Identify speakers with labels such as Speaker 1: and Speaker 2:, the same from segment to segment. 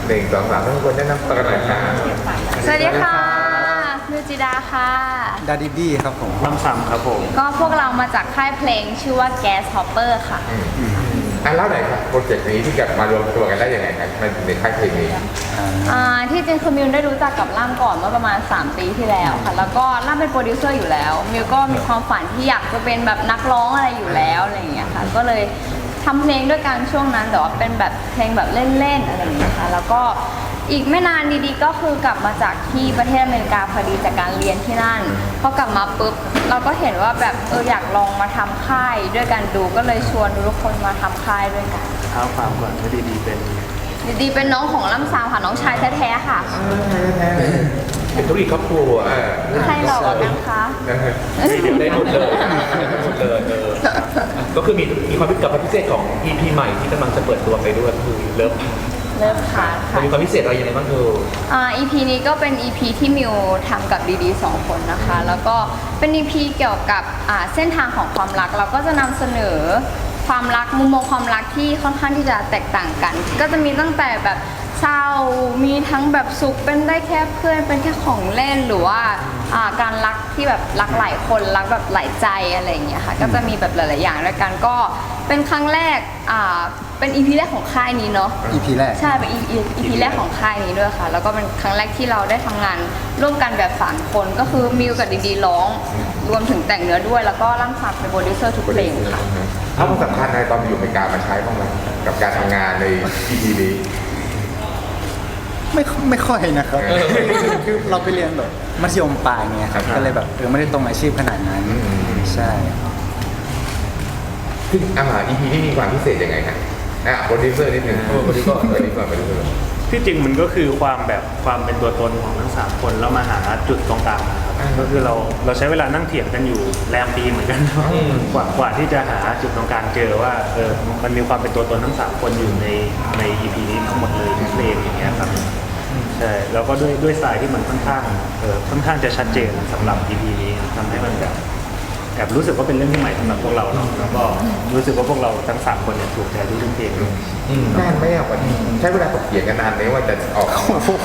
Speaker 1: 1 2 3ทุกคนแนะนำตัวกันหน่อยครับ
Speaker 2: สวัสดีค่ะมิวจิดาค่ะ
Speaker 3: ดาดิดี้ครับผม
Speaker 4: ลำซ้ำครับผม
Speaker 2: ก็พวกเรามาจากค่ายเพลงชื่อว่า Gas Hopper ค่ะ
Speaker 1: เล่าหน่อยครับโปรเจกต์นี้ที่เกิดมารวมตัวกันได้ยังไงครับในค่ายเพลงนี้
Speaker 2: ที่จริงคือมิวได้รู้จักกับล่ามก่อนเมื่อประมาณ3 ปีที่แล้วค่ะ แล้วก็ล่ามเป็นโปรดิวเซอร์อยู่แล้วมิวก็มีความฝันที่อยากจะเป็นแบบนักร้องอะไรอยู่แล้วอะไรอย่างเงี้ยค่ะก็เลยทำเพลงด้วยกันช่วงนั้นแต่ว่าเป็นแบบเพลงแบบเล่นๆอะไรอย่างเงี้ยค่ะแล้วก็อีกไม่นานดีๆก็คือกลับมาจากที่ประเทศอเมริกาพอดีจากการเรียนที่นั่นพอกลับมาปุ๊บเราก็เห็นว่าแบบอยากลองมาทำค่ายด้วยกันดูก็เลยชวนทุกคนมาทำค่ายด้วยกัน
Speaker 4: เท้าความก่อนก็ดีๆเป็น
Speaker 2: ดีๆเป็นน้องของล่ำซาวค่ะน้องชายแท้ๆค่ะ
Speaker 1: เป็นธุรกิจครอบครัว
Speaker 2: ใครหลอกกันคะ
Speaker 5: ได้หมดเลยหมดเลยก็คือมีความพิเศษของ EP ใหม่ที่กำลังจะเปิดตัวไปด้วยก็คือเลิฟ
Speaker 2: เริ่มค่ะ
Speaker 5: มันมีความพิเศษอะไรยังไงบ้างคือ
Speaker 2: EP นี้ก็เป็น EP ที่มิวทำกับดีๆ2 คนนะคะ แล้วก็เป็น EP เกี่ยวกับเส้นทางของความรักเราก็จะนำเสนอความรักมุมมองความรักที่ค่อนข้างที่จะแตกต่างกัน ก็จะมีตั้งแต่แบบเศร้ามีทั้งแบบสุขเป็นได้แค่เพื่อนเป็นแค่ของเล่นหรือว่าการรักที่แบบรักหลายคนรักแบบหลายใจอะไรอย่างเงี้ยค่ะก็จะมีแบบหลายๆอย่างด้วยกันก็เป็นครั้งแรกเป็น EP แรกของค่ายนี้เนาะ
Speaker 3: EP แรก
Speaker 2: ใช่เป็น EP แรกของค่ายนี้ด้วยค่ะแล้วก็เป็นครั้งแรกที่เราได้ทำงานร่วมกันแบบ3 คนก็คือมิวกับดีๆร้องรวมถึงแต่งเนื้อด้วยแล้วก็ร่ำซับเป็นโปรดิวเซอร์ทุกเพลงค่ะ
Speaker 1: เอาความสำคัญในตอนอยู่อเมริกามาใช้บ้างไหมกับการทำงานใน EP นี้
Speaker 3: ไม่ค่อยนะครับคือเราไปเรียนแบบมัธยมปลายเนี่ยครับก็เลยแบบไม่ได้ตรงอาชีพขนาดนั้นใช่
Speaker 1: ซึ่งEP นี้มีความพิเศษยังไงฮะโปรดิวเซอร์นิดนึงโปรดิวเซอร์
Speaker 4: ที่จริงมันก็คือความเป็นตัวตนของทั้ง3 คนแล้วมาหาจุดตรงกลางนะครับก็คือเราใช้เวลานั่งเถียงกันอยู่แรมปีเหมือนกันกว่าที่จะหาจุดตรงกลางเจอว่ามันมีความเป็นตัวตนทั้ง3 คนอยู่ใน EP นี้ทั้งหมดเลยทุกเพลงอย่างเงี้ยครับใช่แล้วก็ด้วยสไตล์ที่มันค่อนข้างจะชัดเจนสำหรับ EP นี้ทำให้มันแบบรู้สึกว่าเป็นเรื่องที่ใหม่สำหรับพวกเราเนาะแล้วก็รู้สึกว่าพวกเราทั้ง3 คนเนี่ยถูกใจทุกเพลง
Speaker 1: นานไหมวันนี้ใช้เวลาตกเถียงกันนานไหมว่าจะออก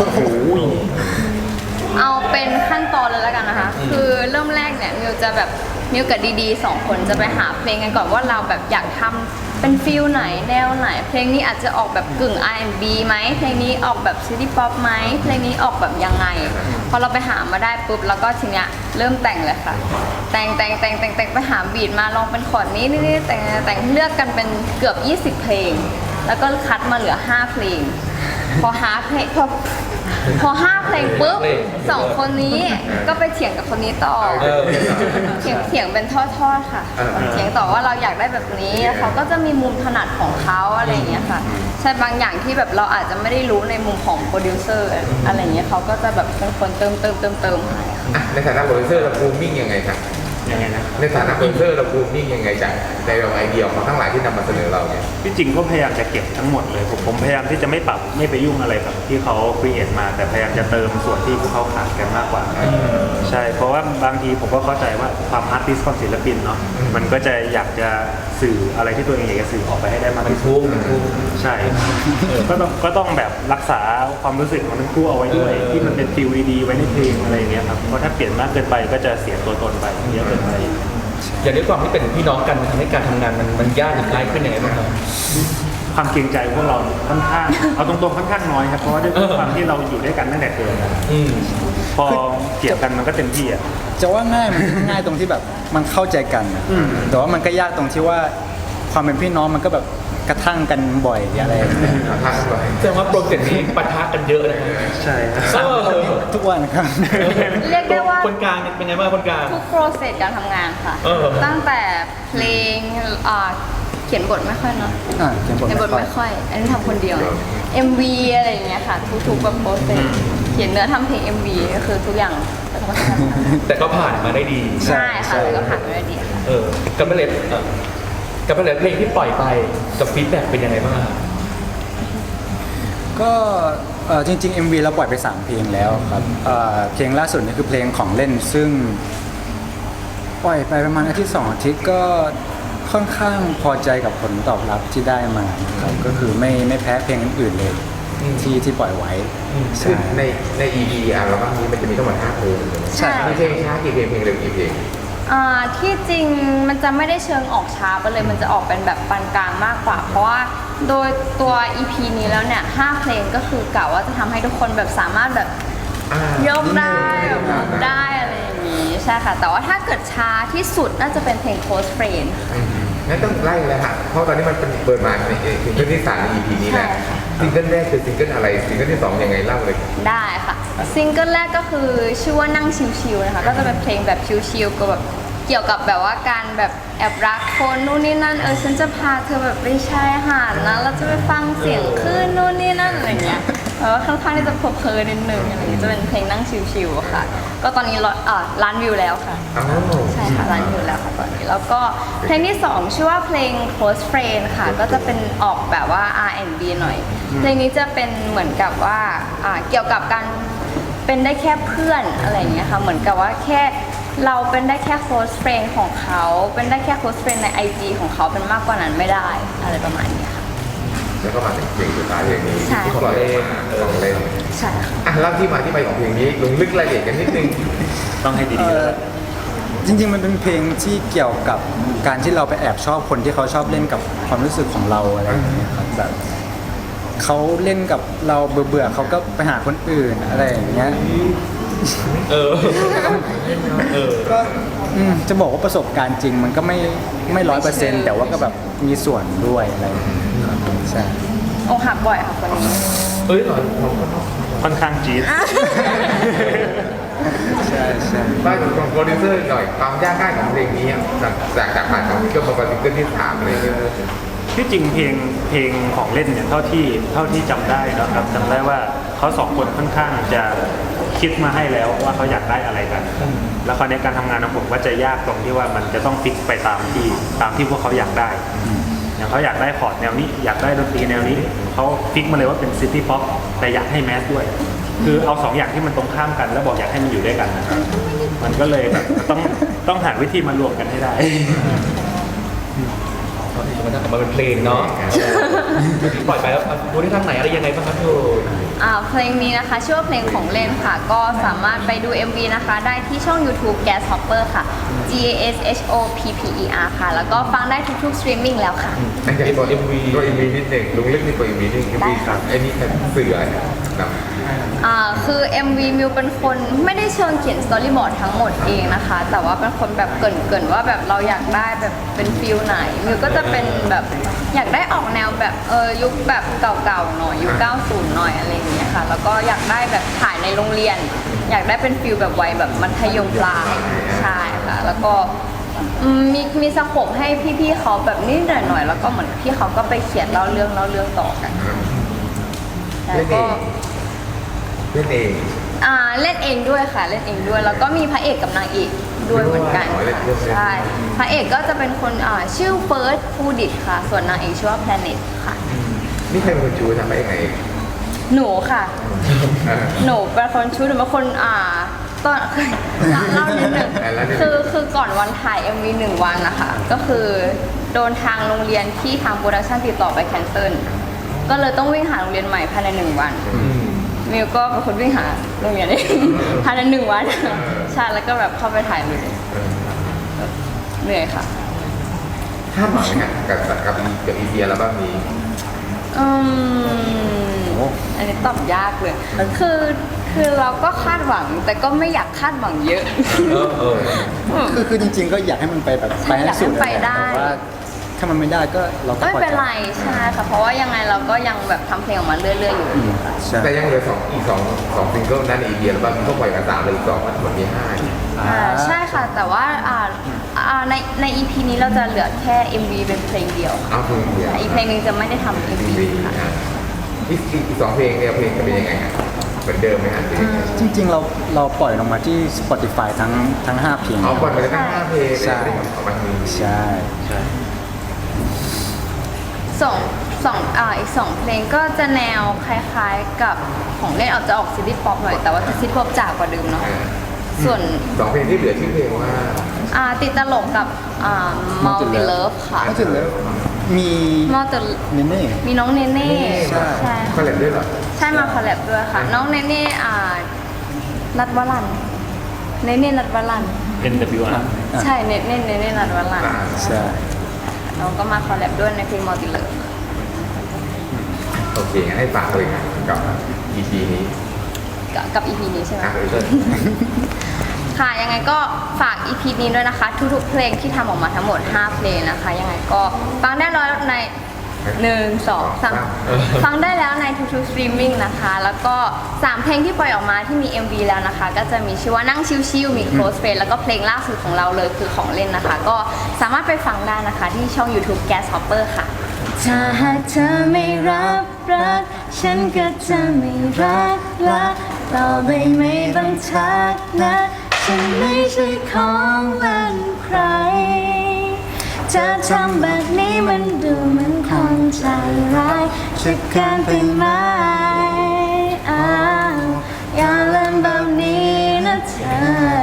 Speaker 2: เอาเป็นขั้นตอนเลยแล้วกันนะคะ คือเริ่มแรกเนี่ยมิวจะแบบมิวกับดีๆ2 คนจะไปหาเพลงกันก่อนว่าเราแบบอยากทำเป็นฟิลไหนแนวไหน เพลงนี้อาจจะออกแบบกึ่ง R&B ไหมเพลงนี้ออกแบบซิตี้ป๊อปไหมเพลงนี้ออกแบบยังไงพอเราไปหามาได้ปุ๊บแล้วก็ทีเนี้ยเริ่มแต่งเลยค่ะแต่งไปหาบีทมาลองเป็นคอร์ดนี้นี่แต่งเลือกกันเป็นเกือบ20 เพลง แล้วก็คัดมาเหลือ5 เพลงพอ5 เพลงพอ5 เพลงปุ๊บ2 คนนี้ก็ไปเถียงกับคนนี้ต่อเถียงเป็นทอดๆค่ะเถียงต่อว่าเราอยากได้แบบนี้เขาก็จะมีมุมถนัดของเขาอะไรอย่างเงี้ยค่ะใช่บางอย่างที่แบบเราอาจจะไม่ได้รู้ในมุมของโปรดิวเซอร์อะไรอย่างเงี้ยเขาก็จะแบบเป็นคนเติมให้ค่ะ
Speaker 1: ในฐานะโปรดิวเซอร์เราบูมมิ่งยังไงครับ
Speaker 4: ยังไงนะ
Speaker 1: ในฐานะโปรดิวเซอร์เราบูมมิ่งยังไงจากในไอเดียของทั้งหลายที่นำมาเสนอเราเนี่ย
Speaker 4: ที่จริงก็พยายามจะเก็บทั้งหมดเลยผมพยายามที่จะไม่ปรับไม่ไปยุ่งอะไรกับที่เขาครีเอทมาแต่พยายามจะเติมส่วนที่พวกเขาขาดกันมากกว่าใช่เพราะว่าบางทีผมก็เข้าใจว่าความอาร์ติสต์ของศิลปินเนาะมันก็จะอยากจะสื่ออะไรที่ตัวเองอยากจะสื่อออกไปให้ได้มากที่สุดใช่ก็ต้องแบบรักษาความรู้สึกของทั้งคู่เอาไว้ด้วยที่มันเป็นฟิลดีๆไว้ในเพลงอะไรอย่างเงี้ยครับเพราะถ้าเปลี่ยนมากเกินไปก็จะเสียตัวตนไปเยอะเกินไป
Speaker 5: อย่างด้วยความที่เป็นพี่น้องกันทำให้การทำงานมันยากหรือง่ายขึ้นยังไงบ้างครับ
Speaker 4: ความเกรงใจพวกเราค่อนข้างเอาตรงๆค่อนข้างน้อยครับเพราะว่าด้วยความที่เราอยู่ด้วยกันตั้งแต่เกิดพอเกี่ยวกันมันก็เต็มที่อ่ะ
Speaker 3: จะว่าง่ายมันก็ง่ายตรงที่แบบมันเข้าใจกันนะแต่ว่ามันก็ยากตรงที่ว่าความเป็นพี่น้องมันก็แบบกระทั่งกันบ่อยอะไรอย่างเงี้ย
Speaker 5: แสดงว่าโปรเจกต์นี้ปะทะกันเยอะนะ
Speaker 4: ใช่ครับ
Speaker 3: ทุกวันครับ
Speaker 2: เรียกได้ว่า
Speaker 5: คนกลางเป็นไงบ้างคนกลาง
Speaker 2: ทุกโปรเซสการทำงานค่ะ ตั้งแต่เพลงเขียนบทไม่ค่อยเนาะ
Speaker 3: เขียนบท
Speaker 2: ในบท
Speaker 3: ไม่
Speaker 2: ไม่
Speaker 3: ค่
Speaker 2: ค่
Speaker 3: อย
Speaker 2: อย อันนี้ทำคนเดียว MV อะไรอย่างเงี้ยค่ะ ทุกๆแบบโปรเซสเขียนเนื้อทำเพลง MV ก็คือทุกอย่างเป็นคนทำ
Speaker 5: แต่ก็ผ่านมาได้ดี
Speaker 2: ใช่ค่ะแล้วก็ผ่านไปได้ดีค่ะ
Speaker 5: กับเพลงเพลงที่ปล่อยไปกับฟีดแบ็กเป็นยังไงบ้างครับ
Speaker 3: ก็จริงๆ MV เราปล่อยไป3 เพลงแล้วครับเพลงล่าสุดนี่คือเพลงของเล่นซึ่งปล่อยไปประมาณอาทิตย์2 อาทิตย์ก็ค่อนข้างพอใจกับผลตอบรับที่ได้มาครับก็คือไม่แพ้เพลงอื่นๆเลยที่ปล่อยไว้
Speaker 1: คือ
Speaker 3: ใช่
Speaker 1: ใน EP อัลบั้มนี้มันจะมีทั้งหมด5เพลง
Speaker 2: ใช่
Speaker 1: มีเพลงช้ากี่เพลงเพลงเร็วกี่เพลง
Speaker 2: ที่จริงมันจะไม่ได้เชิงออกช้าไปเลยมันจะออกเป็นแบบปานกลางมากกว่า เพราะว่าโดยตัว EP นี้แล้วเนี่ย5เพลงก็คือกะว่าจะทำให้ทุกคนแบบสามารถแบบยกได้แบบหมุนได้อะไรอย่างนี้ใช่ค่ะแต่ว่าถ้าเกิดช้าที่สุดน่าจะเป็นเพลง Close Friend
Speaker 1: งั้นต้องไล่เลยค่ะเพราะตอนนี้มันเป็นเปิดมาในซิงเกิลที่3ใน EP นี้แหละ
Speaker 2: ใช่ค่ะ
Speaker 1: ซิงเกิลแรกคือซิงเกิลอะไรซิงเกิลที่2ยังไงเล่าเลย
Speaker 2: ได้ค่ะซิงเกิลแรกก็คือชื่อว่านั่งชิวๆนะคะก็จะเป็นเพลงแบบชิวๆก็แบบเกี่ยวกับแบบว่าการแบบแอบรักคนนู่นนี่นั่นฉันจะพาเธอแบบไปชายหาดนะเราจะไปฟังเสียงคลื่นนู่นนี่นั่นอะไรเงี้ยเพราะว่าค่อนข้างที่จะเพลินนิดนึงอะไรเงี้ยจะเป็นเพลงนั่งชิวๆค่ะก็ตอนนี้ล้านวิวแล้วค่ะ
Speaker 1: อ้าว
Speaker 2: ใช่ค่ะร้านอยู่แล้วค่ะตอนนี้แล้วก็เพลงที่ 2 ชื่อว่าเพลง Close Friend ค่ะก็จะเป็นออกแบบว่า R&B หน่อยเพลงนี้จะเป็นเหมือนกับว่าเกี่ยวกับการเป็นได้แค่เพื่อนอะไรอย่างเงี้ยค่ะเหมือนกับว่าแค่เราเป็นได้แค่ close friend ของเขาเป็นได้แค่ close friend ใน IG ของเขาเป็นมากกว่านั้นไม่ได้อะไรประมาณนี้ค่ะ
Speaker 1: แล้วก็มาถึงเพลงสุดท้ายเพลงนี้
Speaker 2: ใช่
Speaker 1: ที่ปล่อยออกมาของเล่น
Speaker 2: ใช่ค่ะ
Speaker 1: อ่ะเล่าที่มาที่ไปของเพลงนี้ลงลึกรายละเอียดกันนิดนึง
Speaker 4: ต้องให้ดีๆแล้ว
Speaker 3: จริงๆมันเป็นเพลงที่เกี่ยวกับการที่เราไปแอบชอบคนที่เขาชอบเล่นกับความรู้สึกของเราอะไรอย่างเงี้ยครับแบบเขาเล่นกับเราเบื่อๆเขาก็ไปหาคนอื่นอะไรอย่างเงี้ย
Speaker 5: เออเออ
Speaker 3: ก็จะบอกว่าประสบการณ์จริงมันก็ไม่100%แต่ว่าก็แบบมีส่วนด้วยอะไรอย่างเงี้ยครับใช่
Speaker 2: อกหักบ่อยค่ะคนนี้
Speaker 5: เอ้ย
Speaker 4: ค่อนข้างจี๊ด
Speaker 3: ใช่ใช่
Speaker 1: บ้านของโปรดิวเซอร์หน่อยความยากง่ายของเพลงนี้อ่ะจากผ่านของซิงเกิลมาเป็นซิงเกิลที่3เลยเนี่ย
Speaker 4: ที่จริงเพลงของเล่นเนี่ยเท่าที่จำได้นะครับจำได้ว่าเขาสองคนค่อนข้างจะคิดมาให้แล้วว่าเขาอยากได้อะไรกัน แล้วคราวนี้การทำงานของผมก็จะยากตรงที่ว่ามันจะต้องฟิกไปตามที่พวกเขาอยากได้ อย่างเขาอยากได้คอร์ดแนวนี้อยากได้ดนตรีแนวนี้เขาฟิกมาเลยว่าเป็นซิตี้ป๊อปแต่อยากให้แมสด้วย คือเอาสองอย่างที่มันตรงข้ามกันแล้วบอกอยากให้มันอยู่ด้วยกันนะครับมันก็เลยแบบต้องหาวิธีมารวมกันให้ได้
Speaker 5: มันจะออกมาเป็นเพลงเนาะปล่อยไปแล้วดูที่ทางไหนอะไรยังไงบ้างครับพี่โอ
Speaker 2: เพลงนี้นะคะชื่อว่าเพลงของเล่นค่ะ ก็สามารถไปดู MV นะคะได้ที่ช่อง YouTube Gas Hopper ค่ะ GASHOPPER ค่ะ แล้วก็ฟังได้ทุกๆ streaming แล้วค่ะ
Speaker 1: อันจากตัว MV นิดหนึ่งลงลึกในตัว MV นิดนึง MV ครับไอ้นี่เป็นเสือครับ
Speaker 2: คือ MV มิวเป็นคนไม่ได้เชิงเขียนสตอรี่บอร์ดทั้งหมดเองนะคะ แต่ว่าเป็นคนแบบเกรินว่าแบบเราอยากได้แบบเป็นฟิลไหนมิวก็จะเป็นแบบอยากได้ออกแนวแบบยุคแบบเก่าๆหน่อยยุค 90 หน่อยอะไรอย่างเงี้ยค่ะ แล้วก็อยากได้แบบถ่ายในโรงเรียน อยากได้เป็นฟิลแบบวัยแบบมัธยมปลายใช่ค่ะ แล้วก็มีสโคปให้พี่ๆเขาแบบนิดหน่อยๆแล้วก็เหมือนพี่เขาก็ไปเขียนเล่าเรื่องต่อกันแล้วก็
Speaker 1: เล่นเอง
Speaker 2: เล่นเองด้วยค่ะเล่นเองด้วยแล้วก็มีพระเอกกับนางเอกด้วยเหมือนกันค่ะใช่พระเอกก็จะเป็นคนชื่อเฟิร์สฟูดิตค่ะ ส่วนนางเอกชื่อว่าแพลเน็ตค่ะ
Speaker 1: นี่ใครเป็นคนชูทำได้ยังไง
Speaker 2: หนูค่ะ หนูเป็นคนชูหนูเป็นคนตอนเล่านิดนึงคือก่อนวันถ่าย MV 1 วันนะคะก็คือโดนทางโรงเรียนที่ทางโปรดักชั่นติดต่อไปแคนเซิลก็เลยต้องวิ่งหาโรงเรียนใหม่ภายใน1 วันมิวก็เป็นคนวิ่งหาโรงเรียนเองภายใน1 วันใช่แล้วก็แบบเข้าไปถ่ายเลยเหนื่อยค่ะ
Speaker 1: คาดหวังไงกับอีเดียแล้วบ้างนี้
Speaker 2: อันนี้ตอบยากเลยคือเราก็คาดหวังแต่ก็ไม่อยากคาดหวังเยอะ
Speaker 3: คือจริงๆก็อยากให้มันไปแบบไปให้สุด
Speaker 2: อยากให้มันไปได้
Speaker 3: แต่ว่าถ้ามันไม่ได้ก็เราก็
Speaker 2: ไม่
Speaker 3: ปล่อย
Speaker 2: เป็นไรใช่ค่ะเพราะว่ายังไงเราก็ยังแบบทำเพลงออกมาเรื่อยๆอยู่ค่ะ
Speaker 3: ใช่
Speaker 1: แต่ยังเหลืออีกสองซิงเกิลนั้นอีเดียแล้วบ้างก็ปล่อยกัน3เลยอีก2มันหมดมี5
Speaker 2: ใช่ค่ะแต่ว่าใน EP นี้เราจะเหลือแค่ MV เป็นเพลงเดียวค่ะ
Speaker 1: เอาเพลงเดียว
Speaker 2: อีกเพลงหนึงจะไม่ได้ทำ MV ค่ะ
Speaker 1: อีก2เพลงเนี่ยเพลงจะเป็นยังไงครับเหมือนเดิมไหมฮะ
Speaker 3: จริงๆเราปล่อยลงมาที่ Spotify ทั้ง5เพลง
Speaker 1: เอาก่อนไปเลยตั้ง5เพลง
Speaker 3: ใช่
Speaker 1: เลยออกมาที
Speaker 3: ใช่
Speaker 2: อีก 2 เพลงก็จะแนวคล้ายๆกับของเล่นอาจจะออกซิตี้ป๊อปหน่อยแต่ว่าจะซิตี้ป๊อปจ๋ากว่าเดิมเนาะส่วน
Speaker 1: 2เพลงที่เหลือชื่อเพลงว่า
Speaker 2: ติดตลกกับMulti Love ค่ะ
Speaker 3: ก็ถึงแล้วมี
Speaker 2: มอเตอร์
Speaker 3: เนเน่
Speaker 2: มีน้องเนเน่ใช่
Speaker 1: คอลเลบด้วยเหรอ
Speaker 2: ใช่มาคอลแลบด้วยค่ะ น้องเนเน่นัดวลันเนเน่นัดวลัน
Speaker 4: NWR
Speaker 2: ใช่เนเน่นัดวลัน
Speaker 3: ใช่
Speaker 2: น้องก็มาคอลแลบด้วยในเพลงมอติเลอร์
Speaker 1: โอเคงั้นให้ฝากเลยนะกับ EP นี้
Speaker 2: กับ EP นี้ใช่ไหม
Speaker 1: เชิญ
Speaker 2: ค่ะ ยังไงก็ฝาก EP นี้ด้วยนะคะ ทุกๆเพลงที่ทำออกมาทั้งหมด 5 เพลงนะคะ ยังไงก็ฟังได้แล้วใน 1 2 3 ฟังได้แล้วในทุกๆสตรีมมิ่งนะคะ แล้วก็ 3 เพลงที่ปล่อยออกมาที่มี MV แล้วนะคะ ก็จะมีชื่อว่านั่งชิวๆมี Close Friend แล้วก็เพลงล่าสุดของเราเลยคือของเล่นนะคะ ก็สามารถไปฟังได้นะคะที่ช่อง YouTube Gas Hopper ค่ะ
Speaker 6: ถ้าหากเธอไม่รับรัก ฉันก็จะไม่รักต่อไปไม่ต้องทักนะ ฉันไม่ใช่ของเล่นใคร จะทำแบบนี้มันดูเหมือนคนใจร้ายจะเกินไปไหมอ้าวอย่าเล่นแบบนี้นะเธอ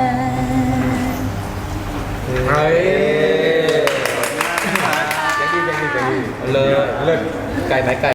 Speaker 1: เฮ้ยยังดี
Speaker 5: เลย
Speaker 1: เลิศ
Speaker 5: ไกลไหมไกล